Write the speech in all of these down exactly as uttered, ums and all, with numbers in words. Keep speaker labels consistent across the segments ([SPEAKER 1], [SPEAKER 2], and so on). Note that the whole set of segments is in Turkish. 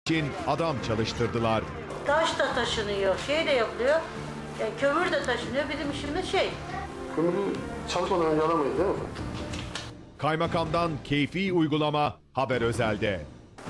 [SPEAKER 1] için adam çalıştırdılar.
[SPEAKER 2] Taş da taşınıyor, şey de yapılıyor. Yani kömür de taşınıyor. Bizim işimiz şey.
[SPEAKER 3] Kömürü çalışmadan önce alamayız değil mi?
[SPEAKER 1] Kaymakamdan keyfi uygulama Haber Özel'de.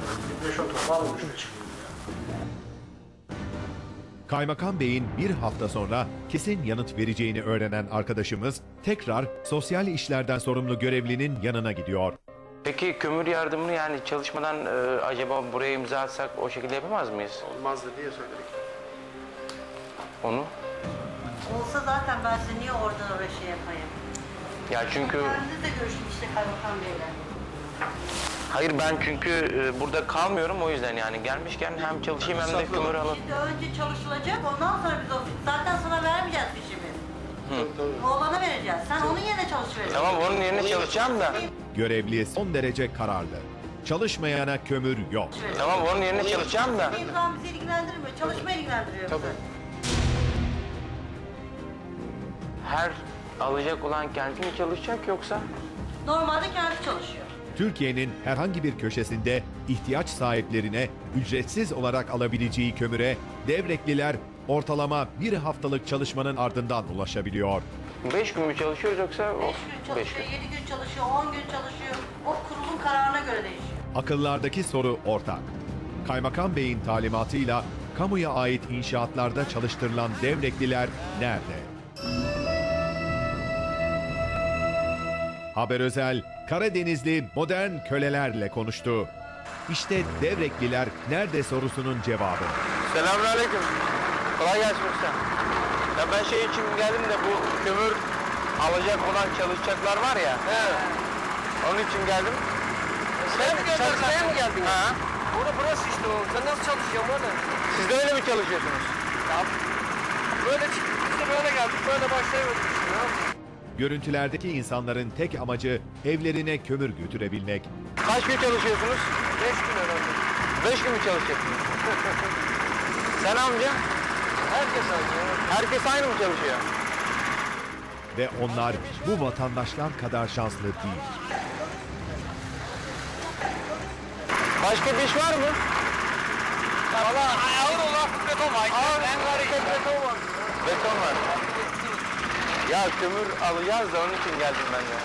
[SPEAKER 1] Kaymakam Bey'in bir hafta sonra kesin yanıt vereceğini öğrenen arkadaşımız tekrar sosyal işlerden sorumlu görevlinin yanına gidiyor.
[SPEAKER 4] Peki kömür yardımını yani çalışmadan e, acaba buraya imza atsak o şekilde yapamaz mıyız?
[SPEAKER 3] Olmazdı diye söyledik.
[SPEAKER 4] Onu?
[SPEAKER 2] Olsa zaten ben size niye oradan oraya şey yapayım?
[SPEAKER 4] Ya çünkü...
[SPEAKER 2] Kendiniz de görüşün işte Kaymakam Bey'le.
[SPEAKER 4] Hayır ben çünkü e, burada kalmıyorum o yüzden yani gelmişken hem çalışayım hem de kömür alıp...
[SPEAKER 2] Şimdi önce çalışılacak, ondan sonra biz o... Zaten sana vermeyeceğiz fişimi. Oğlana vereceğiz. Sen onun yerine çalışıvereceksin.
[SPEAKER 4] Tamam onun yerine çalışacağım da.
[SPEAKER 1] Görevli son derece kararlı. Çalışmayana kömür yok.
[SPEAKER 4] Tamam onun yerine çalışacağım da.
[SPEAKER 2] İmkan bizi ilgilendirmiyor, çalışma ilgilendiriyor bizi.
[SPEAKER 4] Her alacak olan kendi mi çalışacak yoksa?
[SPEAKER 2] Normalde kendi çalışıyor.
[SPEAKER 1] Türkiye'nin herhangi bir köşesinde ihtiyaç sahiplerine ücretsiz olarak alabileceği kömüre Devrekliler ortalama bir haftalık çalışmanın ardından ulaşabiliyor.
[SPEAKER 4] Beş gün mü çalışıyoruz yoksa?
[SPEAKER 2] Beş gün çalışıyor, yedi gün çalışıyor, on gün çalışıyor. O kurulun kararına göre değişiyor.
[SPEAKER 1] Akıllardaki soru ortak. Kaymakam Bey'in talimatıyla kamuya ait inşaatlarda çalıştırılan Devrekliler nerede? Haber Özel, Karadenizli modern kölelerle konuştu. İşte Devrekliler nerede sorusunun cevabı.
[SPEAKER 4] Selamünaleyküm. Kolay gelsin usta. Ya ben şey için geldim de bu kömür alacak olan çalışacaklar var ya. Evet. Onun için geldim.
[SPEAKER 5] Sen mi geldin? Çalışmaya mı geldin?
[SPEAKER 4] Ha.
[SPEAKER 5] Orada burası işte o. Sen nasıl çalışıyorsun orada?
[SPEAKER 4] Siz de öyle mi çalışıyorsunuz?
[SPEAKER 5] Ya böyle çıktık biz de böyle geldik. Böyle başlayamadık işte ya.
[SPEAKER 1] Görüntülerdeki insanların tek amacı evlerine kömür götürebilmek.
[SPEAKER 4] Kaç gün çalışıyorsunuz?
[SPEAKER 5] Beş gün herhalde.
[SPEAKER 4] Beş gün mü çalışacaksınız? Sen amca?
[SPEAKER 5] Herkes aynı ya.
[SPEAKER 4] Herkes aynı mı çalışıyor?
[SPEAKER 1] Ve onlar bu vatandaşlar kadar şanslı değil.
[SPEAKER 4] Başka bir iş var mı?
[SPEAKER 5] Valla ağır olan beton var.
[SPEAKER 4] Ağır
[SPEAKER 5] En hareket beton var.
[SPEAKER 4] Beton var. Ya kömür alacağız da onun için geldim ben de.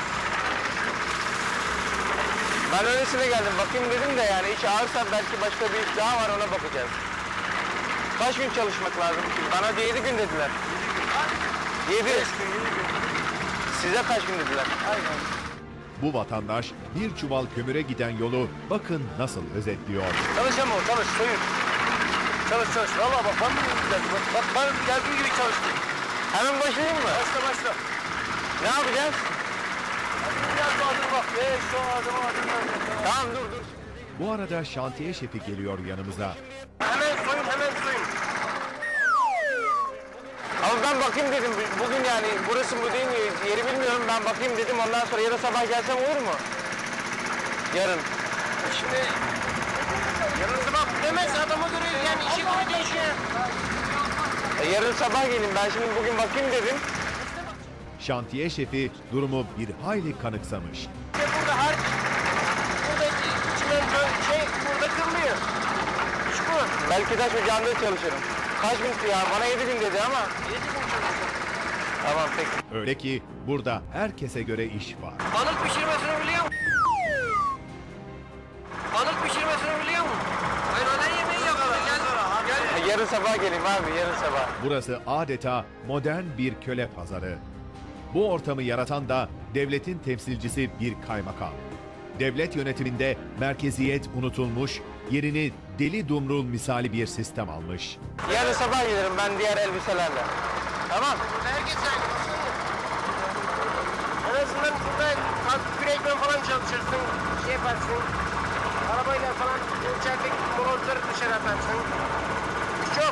[SPEAKER 4] Ben öylesine geldim. Bakayım dedim de yani iş ağırsa belki başka bir iş daha var ona bakacağız. Kaç gün çalışmak lazım ki? Bana yedi gün dediler. Yedi. Size kaç gün dediler?
[SPEAKER 5] Aynen.
[SPEAKER 1] Bu vatandaş bir çuval kömüre giden yolu bakın nasıl özetliyor.
[SPEAKER 5] Çalış ama o çalış soyun. Çalış çalış. Valla bak ben mi güzel. Bak, bak ben geldiğim gibi çalıştım.
[SPEAKER 4] Hemen başlayayım mı?
[SPEAKER 5] Başla başla.
[SPEAKER 4] Ne yapacağız?
[SPEAKER 5] Biraz daha dur bak. Beş şu adım adım.
[SPEAKER 4] Tamam dur dur.
[SPEAKER 1] Bu arada şantiye şefi geliyor yanımıza.
[SPEAKER 5] Hemen soyun hemen soyun.
[SPEAKER 4] Ama ben bakayım dedim. Bugün yani burası mı değil mi? Yeri bilmiyorum. Ben bakayım dedim. Ondan sonra yarın sabah gelsem olur mu? Yarın.
[SPEAKER 5] Şimdi yarın sabah demez adama göre yani işe göre değişiyor.
[SPEAKER 4] E, yarın sabah gelin. Ben şimdi bugün bakayım dedim.
[SPEAKER 1] Şantiye şefi durumu bir hayli kanıksamış.
[SPEAKER 5] İşte burada her burada içinden böyle şey burada kırılıyor. İş bu.
[SPEAKER 4] Belki taş ocağında çalışırım. Kaç gün ya? Bana yedi gün dedi ama.
[SPEAKER 5] Yedi gün çalışıyor.
[SPEAKER 4] Tamam peki.
[SPEAKER 1] Öyle ki burada herkese göre iş var.
[SPEAKER 5] Balık pişirmesini biliyor musun? Balık pişirmesini biliyor musun? Hayır öğlen yemeği yapalım. Gel. Gel.
[SPEAKER 4] E, yarın sabah geleyim abi. Yarın sabah.
[SPEAKER 1] Burası adeta modern bir köle pazarı. Bu ortamı yaratan da devletin temsilcisi bir kaymakam. Devlet yönetiminde merkeziyet unutulmuş, yerini deli dumrul misali bir sistem almış.
[SPEAKER 4] Yarın sabah gelirim ben diğer elbiselerle. Tamam.
[SPEAKER 5] Herkes aynı. En azından burada kalk kürekle falan çalışırsın. Şey yaparsın. Arabayla falan içerideki molozları dışarı atarsın. Çok.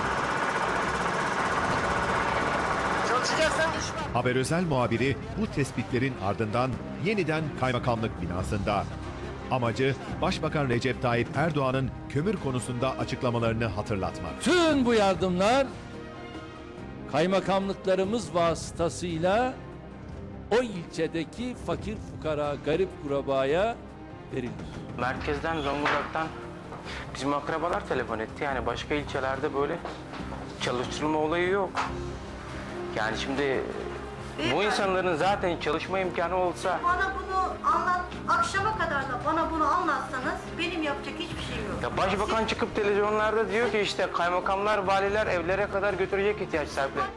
[SPEAKER 5] Çalışacaksan iş var.
[SPEAKER 1] Haber Özel muhabiri bu tespitlerin ardından yeniden kaymakamlık binasında. Amacı Başbakan Recep Tayyip Erdoğan'ın kömür konusunda açıklamalarını hatırlatmak.
[SPEAKER 6] Tüm bu yardımlar kaymakamlıklarımız vasıtasıyla o ilçedeki fakir fukara, garip kurabaya verilir.
[SPEAKER 4] Merkezden Zonguldak'tan Bizim akrabalar telefon etti. Yani başka ilçelerde böyle çalıştırılma olayı yok. Yani şimdi bu
[SPEAKER 2] Beyefendi.
[SPEAKER 4] insanların zaten çalışma imkanı olsa...
[SPEAKER 2] Bana bunu anlat, akşama kadar da bana bunu anlatsanız benim yapacak hiçbir şeyim yok.
[SPEAKER 4] Ya başbakan çıkıp televizyonlarda diyor ki işte kaymakamlar, valiler evlere kadar götürecek ihtiyaç sahipleri.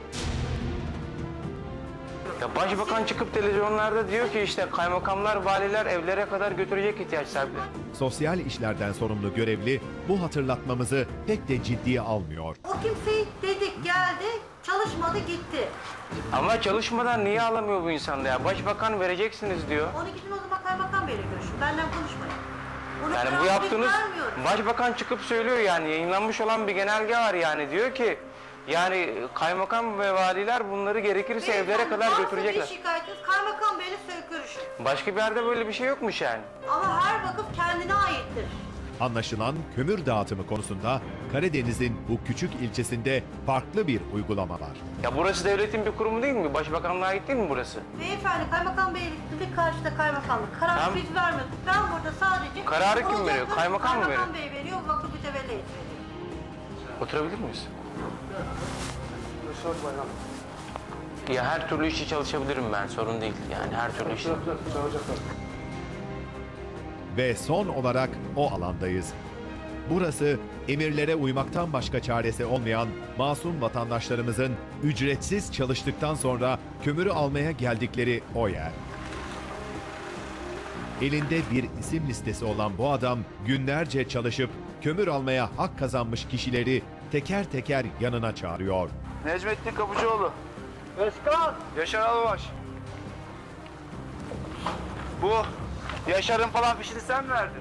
[SPEAKER 4] Ya başbakan çıkıp televizyonlarda diyor ki işte kaymakamlar, valiler evlere kadar götürecek ihtiyaç sahipleri.
[SPEAKER 1] Sosyal işlerden sorumlu görevli bu hatırlatmamızı pek de ciddiye almıyor.
[SPEAKER 2] O kimseyi dedik geldi, çalışmadı gitti.
[SPEAKER 4] Ama çalışmadan niye alamıyor bu insanda ya? Başbakan vereceksiniz diyor.
[SPEAKER 2] Onu gidin o zaman kaymakam beyle görüşün. Benden konuşmayın. Bunu
[SPEAKER 4] Yani bu
[SPEAKER 2] kararı biz
[SPEAKER 4] yaptığınız,
[SPEAKER 2] vermiyoruz.
[SPEAKER 4] başbakan çıkıp söylüyor yani yayınlanmış olan bir genelge var yani diyor ki yani kaymakam ve valiler bunları gerekirse evlere
[SPEAKER 2] Beyefendi,
[SPEAKER 4] kadar
[SPEAKER 2] varsa
[SPEAKER 4] götürecekler.
[SPEAKER 2] bir şikayetiniz kaymakam beyle sö- görüşün.
[SPEAKER 4] Başka bir yerde böyle bir şey yokmuş yani.
[SPEAKER 2] Ama her vakıf kendine aittir.
[SPEAKER 1] Anlaşılan kömür dağıtımı konusunda Karadeniz'in bu küçük ilçesinde farklı bir uygulama var.
[SPEAKER 4] Ya burası devletin bir kurumu değil mi? Başbakanlığa ait değil mi burası?
[SPEAKER 2] Beyefendi kaymakam beylikli karşıda kaymakamlık. Karar
[SPEAKER 4] Tamam.
[SPEAKER 2] biz vermedik. Ben burada sadece...
[SPEAKER 4] Kararı kim
[SPEAKER 2] olacak
[SPEAKER 4] veriyor?
[SPEAKER 2] mı?
[SPEAKER 4] Kaymakam mı
[SPEAKER 2] Kaymakam bey veriyor, vakıf mütevelli veriyor.
[SPEAKER 4] Oturabilir miyiz?
[SPEAKER 3] Yaşar Bayram.
[SPEAKER 4] Ya her türlü işi çalışabilirim ben, sorun değil. Yani her türlü işi.
[SPEAKER 3] Çağıracaklar.
[SPEAKER 1] Ve son olarak o alandayız. Burası emirlere uymaktan başka çaresi olmayan masum vatandaşlarımızın ücretsiz çalıştıktan sonra kömürü almaya geldikleri o yer. Elinde bir isim listesi olan bu adam günlerce çalışıp kömür almaya hak kazanmış kişileri teker teker yanına çağırıyor.
[SPEAKER 7] Necmettin Kapıcıoğlu. Özkan. Yaşar Albaş. Bu Yaşar'ın falan fişini sen mi verdin?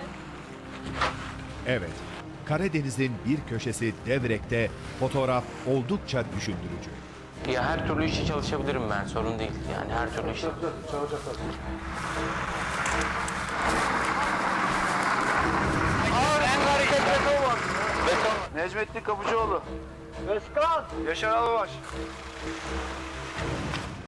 [SPEAKER 1] Evet, Karadeniz'in bir köşesi Devrek'te fotoğraf oldukça düşündürücü.
[SPEAKER 4] Ya her türlü işi çalışabilirim ben, sorun değil. Yani her türlü işi.
[SPEAKER 3] Çağıracaklar.
[SPEAKER 7] En hareket beton var. Beton. Necmettin Kapıcıoğlu. Özkan. Yaşar Albaş.